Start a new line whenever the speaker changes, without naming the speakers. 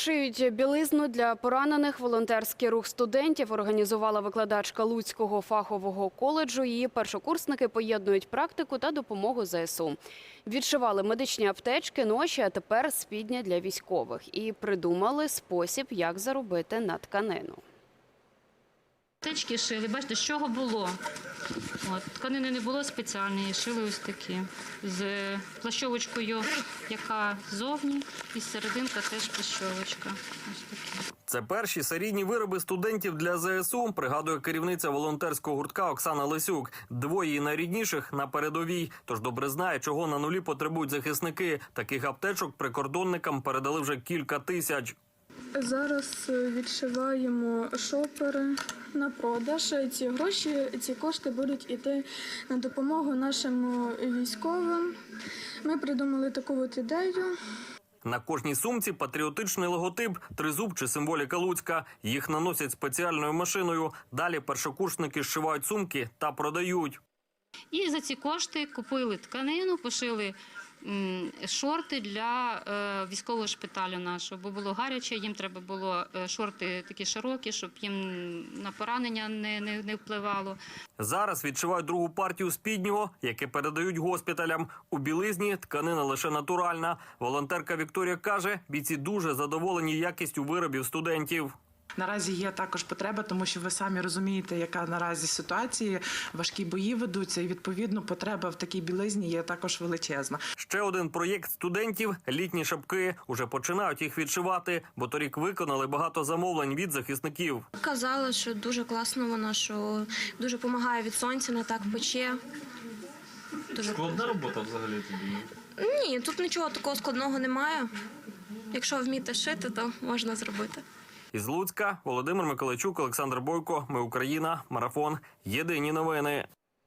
Шиють білизну для поранених. Волонтерський рух студентів організувала викладачка Луцького фахового коледжу. Її першокурсники поєднують практику та допомогу ЗСУ. Відшивали медичні аптечки, ноші, а тепер спідня для військових. І придумали спосіб, як заробити на тканину.
Аптечки шили, бачите, з чого було. Тканини не було спеціальної, шили ось такі. З плащовочкою, яка ззовні, і серединка теж плащовочка. Ось такі.
Це перші серійні вироби студентів для ЗСУ, пригадує керівниця волонтерського гуртка Оксана Лисюк. Двоє її найрідніших на передовій, тож добре знає, чого на нулі потребують захисники. Таких аптечок прикордонникам передали вже кілька тисяч.
Зараз відшиваємо шопери на продаж. Ці гроші, ці кошти будуть йти на допомогу нашим військовим. Ми придумали таку от ідею.
На кожній сумці патріотичний логотип, тризуб чи символіка Луцька. Їх наносять спеціальною машиною. Далі першокурсники зшивають сумки та продають.
І за ці кошти купили тканину, пошили шорти для військового шпиталю нашого, бо було гаряче, їм треба було шорти такі широкі, щоб їм на поранення не впливало.
Зараз відшивають другу партію спіднього, яке передають госпіталям. У білизні тканина лише натуральна. Волонтерка Вікторія каже, бійці дуже задоволені якістю виробів студентів.
Наразі є також потреба, тому що ви самі розумієте, яка наразі ситуація, важкі бої ведуться, і відповідно потреба в такій білизні є також величезна.
Ще один проєкт студентів – літні шапки. Уже починають їх відшивати, бо торік виконали багато замовлень від захисників.
Казали, що дуже класно вона, що дуже допомагає від сонця, не так пече. Дуже...
Складна робота взагалі тобі?
Ні, тут нічого такого складного немає. Якщо вміти шити, то можна зробити.
Із Луцька Володимир Миколайчук, Олександр Бойко. Ми Україна. Марафон. Єдині новини.